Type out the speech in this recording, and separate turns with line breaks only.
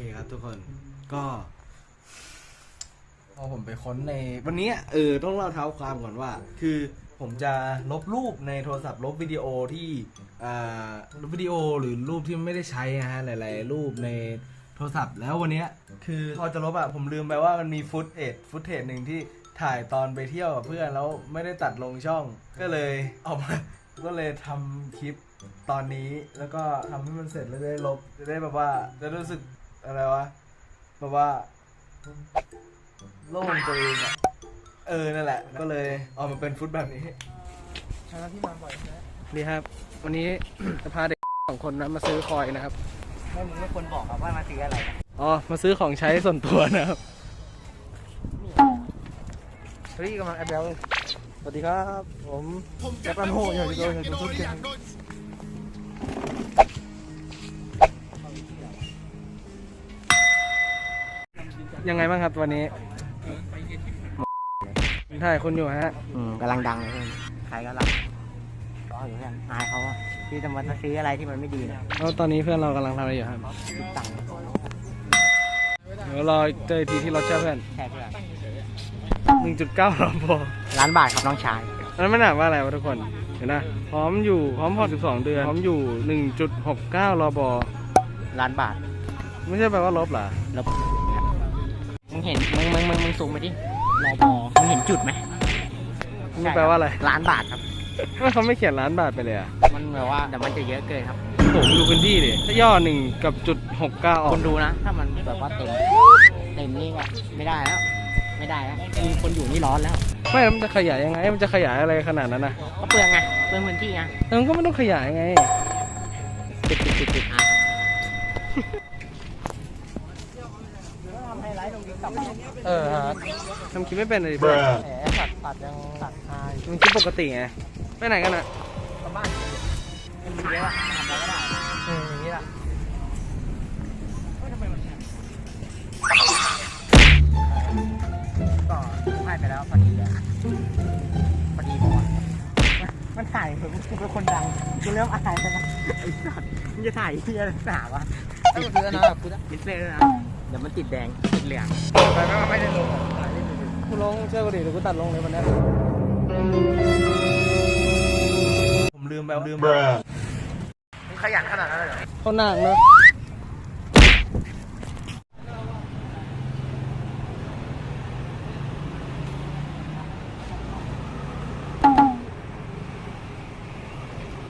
ครับทุกคนก็พอผมไปค้นในวันนี้ต้องเล่าเท้าความก่อนว่าคือผมจะลบรูปในโทรศัพท์ลบวิดีโอที่ลบวิดีโอหรือรูปที่ไม่ได้ใช้นะฮะหลายๆรูปในโทรศัพท์แล้ววันนี้คือพอจะลบผมลืมไปว่ามันมีฟุตเทจหนึ่งที่ถ่ายตอนไปเที่ยวกับเพื่อนแล้วไม่ได้ตัดลงช่องก็เลยเอามาก็เลยทำคลิปตอนนี้แล้วก็ทำให้มันเสร็จแล้วได้ลบจะได้แบบว่าจะรู้สึกอะไรวะแบบว่าโล่งตัวเองนั่นแหละก็เลยออกมาเป็นฟุตแบบนี้ที่มาบ่อยนะนี่ครับวันนี้ จะพาเด็ก2 คนนะมาซื้อคอยนะครับ
ไม่มึงไม่ควรบอกครับว่ามาซื้ออะไร
มาซื้อของใช้ส่วนตัวนะครับเฮ้ยกำลังแอดเบลสวัสดีครับผมแอปอันโหอยู่ที่โดนทุกเกมยังไงบ้างครับวันนี้ถ่ายคนอยู่ฮะ
กำลังดังเลยใครก็รับก็อยู่เพื่อนอายเขาที่จะมาซื้ออะไรที่มันไม่ดีนะ
แล้วตอนนี้เพื่อนเรากำลังทำอะไรอยู่ครับ
ตังค์
เดี๋ยวรอเจอทีที่รถเช่าเพื่อน
แค่เพื่อน
1.9 รอบ
ล้านบาทครับน้องชาย
นั้นไม่หนักว่าอะไรวะทุกคนเห็นนะพร้อมพอ12 เดือนพร้อมอยู่ 1.69 รอบ
ล้านบาท
ไม่ใช่แปลว่าลบเหรอ
ลบมึงเห็นมึงซูมไปดิรอบมึงเห็นจุดไหม
นี่แปลว่าอะไร
ล้านบาทครับ
เขาไม่เขียนล้านบาทไปเลยอ่ะ
มันแบบว่าแต่มันจะเยอะเกินครับ
ผมดูพื้นที่ดิถ้าย่อ1 กับ.69ออก
คนดูนะถ้ามันแบบว่าเต็มนี่ก็ไม่ได้แล้วมีคนอยู่นี่ร้อนแล้ว
ไม่มันจะขยายยังไงมันจะขยายอะไรขนาดนั้นนะ
ก็เปลืองไงเปลืองพื้นที่ไง
มันก็ไม่ต้องขยายไง
ติดทำไฮไลท์ตรงนี้กลับ
ทำคลิปไม่เป็นเลยเพื่อน
ตัดยังตัดทาย
มันคลิปปกติไงไปไหนกันอ่ะ
กลับบ้านมันมีเยอะทำอะไรก็ได้อย่างนี้แหละก็ให้ไปแล้วพอดีพอมันถ่ายเหมือนกูเป็นคนดังกูเริ่มอายแล้วนะไอ้สัตว์มึงจะถ่ายที่อะไรหนาวะติดเสื้อนะติดเสื้อนะเดี๋ยวมันติดแดงติดเหลืองไปไม่ได้ลง
กูลงเชื่อกูดิเดี๋ยวกูตัดลงเลยวันนี้ผมลืมมึง
ขยันขนาดนั้นเลยเหรอ
เขาหนักเนอะ